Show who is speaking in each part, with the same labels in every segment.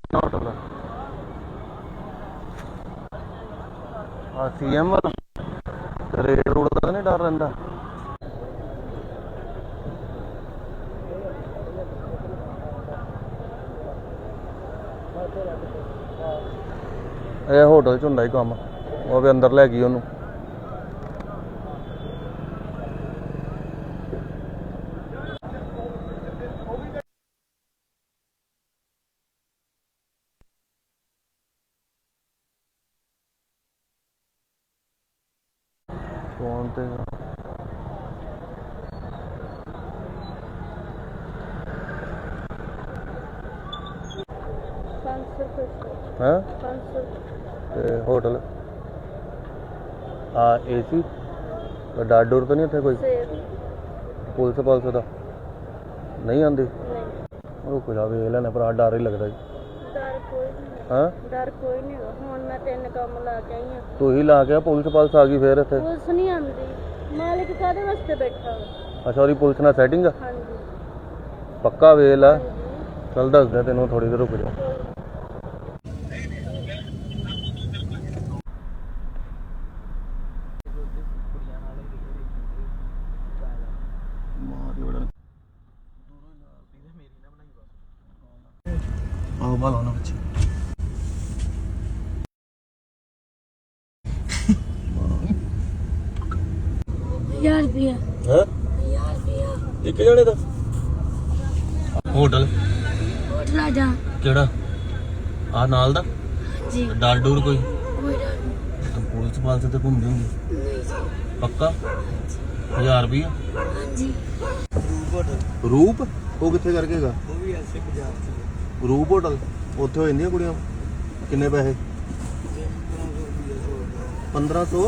Speaker 1: hotel CM वाला red road का नहीं डर रहा ਇਹ ਹੋਟਲ ਚ ਹੁੰਦਾ ਹੀ ਕੰਮ ਉਹ ਵੀ ਅੰਦਰ ਲੈ ਗਈ ਉਹਨੂੰ ਫੋਨ ਤੇ है होटल AC डर डुर तो नहीं इतने कोई पुलिस का नहीं आती रुक जा वेख लेना भरा डर ही लगता तू ही ला के पुलिस आ गई फिर इतने अच्छा और पुलिस ना सैटिंग पक्का वेख ला चल दस दे तेन थोड़ी देर रुक जा बच्चे
Speaker 2: 1000 रुपया
Speaker 1: है
Speaker 2: 1000 रुपया
Speaker 1: एक जने दा होटल
Speaker 2: आजा
Speaker 1: केड़ा आ नाल दा
Speaker 2: जी
Speaker 1: डर डूर कोई
Speaker 2: कोई डर नहीं
Speaker 1: तुम पुलिस पाल से घूम जाओगे
Speaker 2: नहीं जी
Speaker 1: पक्का 1000 रुपया
Speaker 2: हाँ जी
Speaker 1: रूप वो कितने करके गा
Speaker 3: वो भी ऐसे बाजार से
Speaker 1: रूप होटल उत्थे हो जांदियां कुड़ियां किन्ने पैसे 1500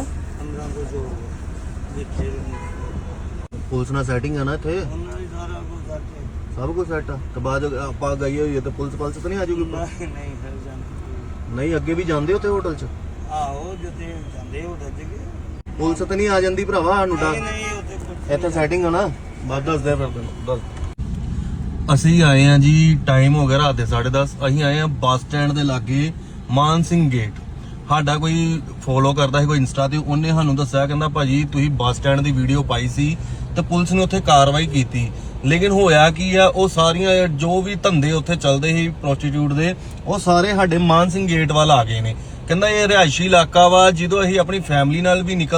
Speaker 3: देखिए
Speaker 1: पुलिस नाल सेटिंग है ना इत्थे
Speaker 3: उन्होंने सारा कुछ करके
Speaker 1: सब कुछ सेट है तो बाद आप गई हुई है तो पुलिस पाल से तो नहीं आ जाऊगी
Speaker 3: नहीं फिर जाते
Speaker 1: नहीं अगे भी जांदे उत्थे होटल च
Speaker 3: आहो जिते जांदे होटल च
Speaker 1: पुलिस तो नहीं आ जांदी भरावा सानू डर
Speaker 3: नहीं होते कुछ
Speaker 1: ਇੱਥੇ ਸੈਟਿੰਗ ਆ ਨਾ ਬਾਅਦ ਦੱਸ ਦੇ ਫਿਰ ਤੈਨੂੰ ਦੱਸ ਅਸੀਂ ਆਏ ਆ ਜੀ ਟਾਈਮ ਹੋ ਗਿਆ ਰਾਤ ਦੇ 10:30 ਅਸੀਂ ਆਏ ਆ ਬੱਸ ਸਟੈਂਡ ਦੇ ਲਾਗੇ ਮਾਨ ਸਿੰਘ ਗੇਟ ਸਾਡਾ ਕੋਈ ਫੋਲੋ ਕਰਦਾ ਸੀ ਕੋਈ ਇੰਸਟਾ ਤੇ ਉਹਨੇ ਸਾਨੂੰ ਦੱਸਿਆ ਕਹਿੰਦਾ ਭਾਜੀ ਤੁਸੀਂ ਬੱਸ ਸਟੈਂਡ ਦੀ ਵੀਡੀਓ ਪਾਈ ਸੀ ਤੇ ਪੁਲਿਸ ਨੇ ਉੱਥੇ ਕਾਰਵਾਈ ਕੀਤੀ ਲੇਕਿਨ ਹੋਇਆ ਕੀ ਆ ਉਹ ਸਾਰੀਆਂ ਜੋ ਵੀ ਧੰਦੇ ਉੱਥੇ ਚੱਲਦੇ ਸੀ ਪ੍ਰੋਸਟੀਟਿਊਟ ਦੇ ਉਹ ਸਾਰੇ ਸਾਡੇ ਮਾਨ ਸਿੰਘ ਗੇਟ ਵੱਲ ਆ ਗਏ ਨੇ ਕਹਿੰਦਾ ਇਹ ਰਿਹਾਇਸ਼ੀ ਇਲਾਕਾ ਵਾ ਜਦੋਂ ਅਸੀਂ ਆਪਣੀ ਫੈਮਿਲੀ ਨਾਲ ਵੀ ਨਿਕਲ